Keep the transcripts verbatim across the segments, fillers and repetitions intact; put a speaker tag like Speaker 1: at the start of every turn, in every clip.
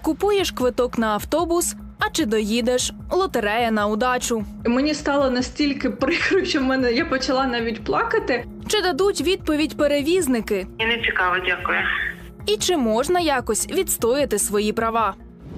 Speaker 1: Купуєш квиток на автобус, а чи доїдеш – лотерея на удачу.
Speaker 2: Мені стало настільки прикро, що в мене я почала навіть плакати.
Speaker 1: Чи дадуть відповідь перевізники?
Speaker 3: І не цікаво, дякую.
Speaker 1: І чи можна якось відстояти свої права?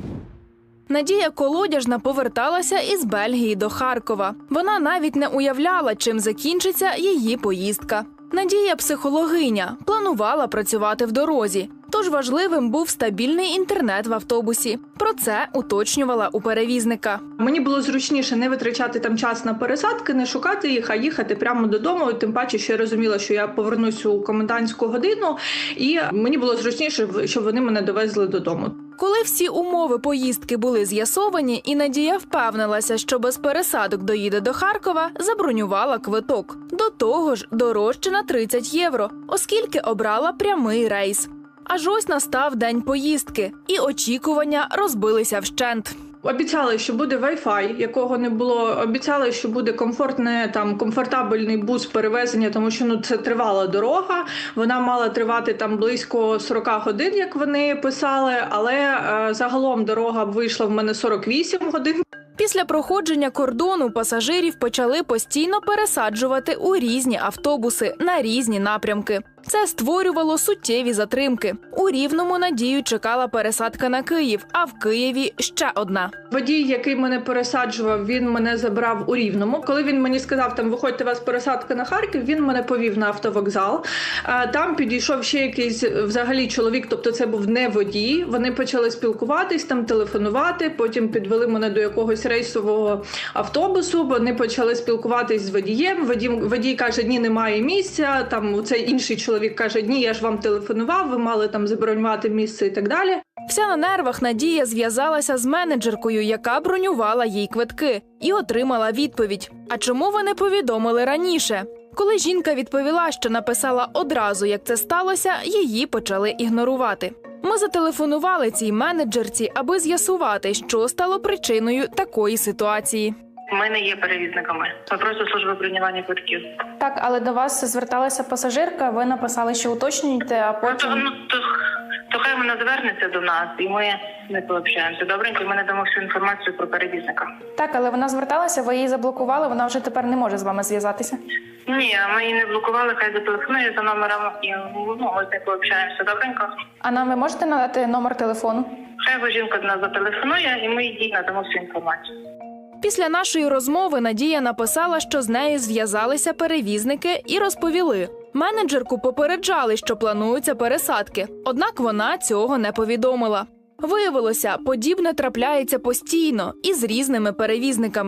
Speaker 1: Надія Колодяжна поверталася із Бельгії до Харкова. Вона навіть не уявляла, чим закінчиться її поїздка. Надія – психологиня, планувала працювати в дорозі. Тож важливим був стабільний інтернет в автобусі. Про це уточнювала у перевізника.
Speaker 2: Мені було зручніше не витрачати там час на пересадки, не шукати їх, а їхати прямо додому. Тим паче, що я розуміла, що я повернусь у комендантську годину, і мені було зручніше, щоб вони мене довезли додому.
Speaker 1: Коли всі умови поїздки були з'ясовані, і Надія впевнилася, що без пересадок доїде до Харкова, забронювала квиток. До того ж, дорожче на тридцять євро, оскільки обрала прямий рейс. Аж ось настав день поїздки, і очікування розбилися вщент.
Speaker 2: Обіцяли, що буде Wi-Fi, якого не було. Обіцяли, що буде комфортне, там, комфортабельний бус перевезення, тому що ну, це тривала дорога. Вона мала тривати там близько сорок годин, як вони писали, але е, загалом дорога вийшла в мене сорок вісім годин.
Speaker 1: Після проходження кордону пасажирів почали постійно пересаджувати у різні автобуси на різні напрямки. Це створювало суттєві затримки. У Рівному Надію чекала пересадка на Київ, а в Києві ще одна.
Speaker 2: Водій, який мене пересаджував, він мене забрав у Рівному. Коли він мені сказав, там, виходьте, у вас пересадка на Харків, він мене повів на автовокзал. Там підійшов ще якийсь взагалі чоловік, тобто це був не водій. Вони почали спілкуватись, там телефонувати, потім підвели мене до якогось рейсового автобусу, вони почали спілкуватись з водієм. Водій, водій каже, ні, немає місця, там цей інший чоловік Чоловік каже, ні, я ж вам телефонував, ви мали там забронювати місце і так далі.
Speaker 1: Вся на нервах Надія зв'язалася з менеджеркою, яка бронювала їй квитки, і отримала відповідь. А чому ви не повідомили раніше? Коли жінка відповіла, що написала одразу, як це сталося, її почали ігнорувати. Ми зателефонували цій менеджерці, аби з'ясувати, що стало причиною такої ситуації.
Speaker 3: Ми не є перевізниками. Ми просто служба бронювання квитків.
Speaker 4: Так, але до вас зверталася пасажирка, ви написали, що уточнюєте, а
Speaker 3: Ну,
Speaker 4: потім...
Speaker 3: то, ну, то, то хай вона звернеться до нас, і ми не пообщаємося. Добренько, ми надамо всю інформацію про перевізника.
Speaker 4: Так, але вона зверталася, ви її заблокували, вона вже тепер не може з вами зв'язатися.
Speaker 3: Ні, ми її не блокували, хай зателефонує за номером, і ну, ми не пообщаємося. Добренько.
Speaker 4: А нам ви можете надати номер телефону?
Speaker 3: Хай бо жінка до нас зателефонує, і ми їй надамо всю інформацію.
Speaker 1: Після нашої розмови Надія написала, що з нею зв'язалися перевізники і розповіли. Менеджерку попереджали, що плануються пересадки, однак вона цього не повідомила. Виявилося, подібне трапляється постійно і з різними перевізниками.